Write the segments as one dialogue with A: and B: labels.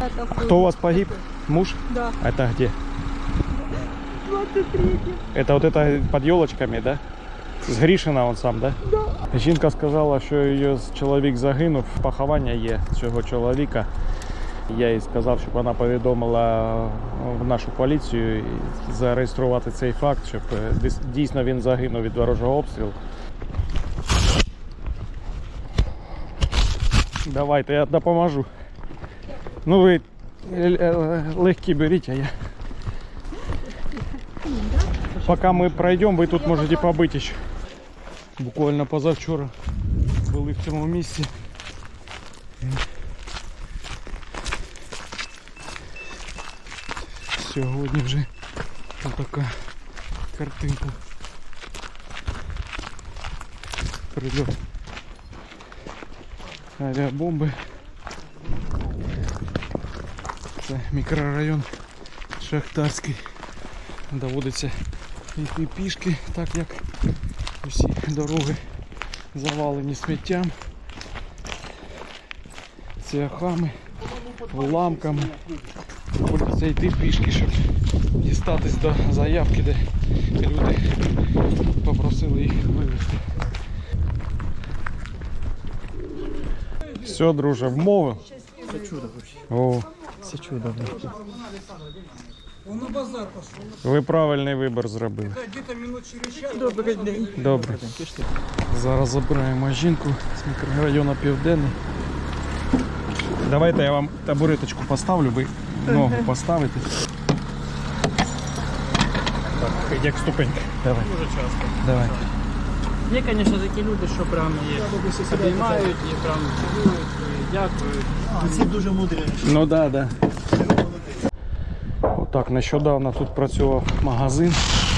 A: Кто у вас погиб? Муж?
B: Да.
A: Это где?
B: 23-й.
A: Это вот это под елочками, да? З Грішина он сам, да?
B: Да.
A: Жінка сказала, що її чоловік загинув, поховання є цього чоловіка. Я їй сказав, щоб вона повідомила в нашу поліцію і зареєструвати цей факт, щоб дійсно він загинув від ворожого обстрілу. Давайте, я допоможу. Ну ви легкі беріть, а я... Пока мы пройдем, вы тут можете побыть еще. Буквально позавчора були в цьому місці. Сьогодні вже така картинка. Прильот авіабомби. Це мікрорайон Шахтарський. Доводиться йти пішки, так як усі дороги завалені сміттям, цвяхами, уламками. Доводиться йти пішки, щоб дістатись до заявки, де люди попросили їх вивезти. Все, друже, вмовив?
C: Все чудо вообще.
A: О,
C: Все чудо.
D: Он на базар пошел.
A: ви правильний вибір зробили.
D: Где-то минут через час.
C: Добрий день.
A: Добре. Зараз забираємо жінку з мікрорайону Південний. Давайте я вам табуреточку поставлю, ви ногу поставите. Так, як ступенька. Давай.
C: Дуже часто.
A: Давай.
C: Є, звісно, такі люди, що прям обіймають і прям цілують, і дякують.
D: Ці дуже мудрі.
A: Ну да, да. Отак, нещодавно тут працював магазин.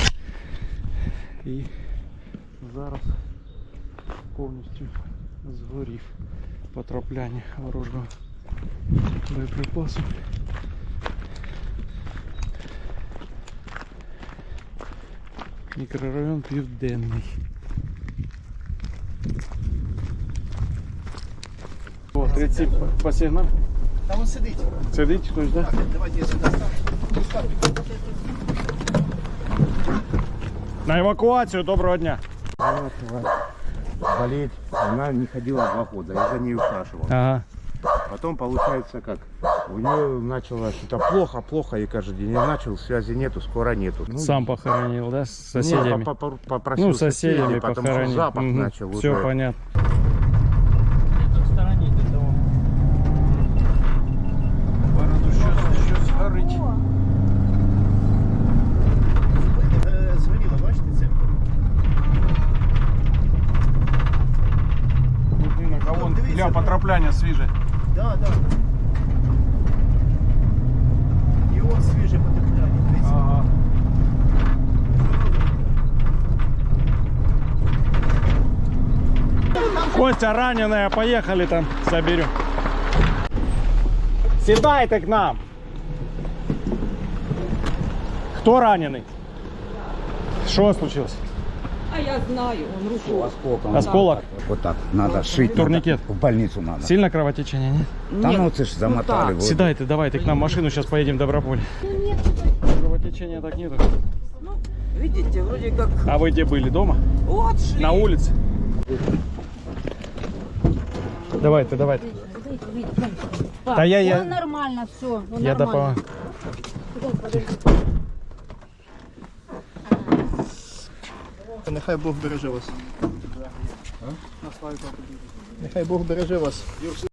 A: І зараз повністю згорів потрапляння ворожого боєприпасу. Мікрорайон Південний. О, 30 по сигналу.
D: Там он сидить.
A: Сидить хтось, так? Да?
D: Давайте я сюда.
A: На евакуацію, доброго дня.
E: Болеть, она не ходила 2 года, я за ней ухаживал.
A: Ага.
E: Потом получается как, у нее начало что-то плохо, и каждый день я начал, связи нету, скоро нету. Ну,
A: Сам похоронил, да, с
E: не,
A: соседями?
E: попросил
A: Ну, соседями
E: потому что
A: похоронил.
E: запах начал
A: Все
E: уже.
A: понятно.
C: В стороні до того.
A: Щось горить.
D: Згоріло, бачите це?
A: Будинок, а вон для потрапляння свіже.
D: Да, да. І он свіже потепляння. Дивіться.
A: Ага. Костя раненая, поехали там, заберем. Седайте к нам. Кто раненый? Что случилось?
B: А я знаю, он руку.
A: Осколок?
E: Вот так, надо шить.
A: Турникет.
E: Надо, в больницу надо.
A: Сильно кровотечение, нет?
E: Там ну ты ж замотали. вот.
A: Седайте, давайте к нам машину, сейчас поедем в Доброполь. Кровотечения так нету.
B: Видите, вроде как...
A: А вы где были? Дома?
B: Вот шли.
A: На улице? Давайте, давайте. Да я...
F: Нормально, все.
A: Я допомагаю.
D: Нехай Бог береже вас. Нехай Бог береже вас.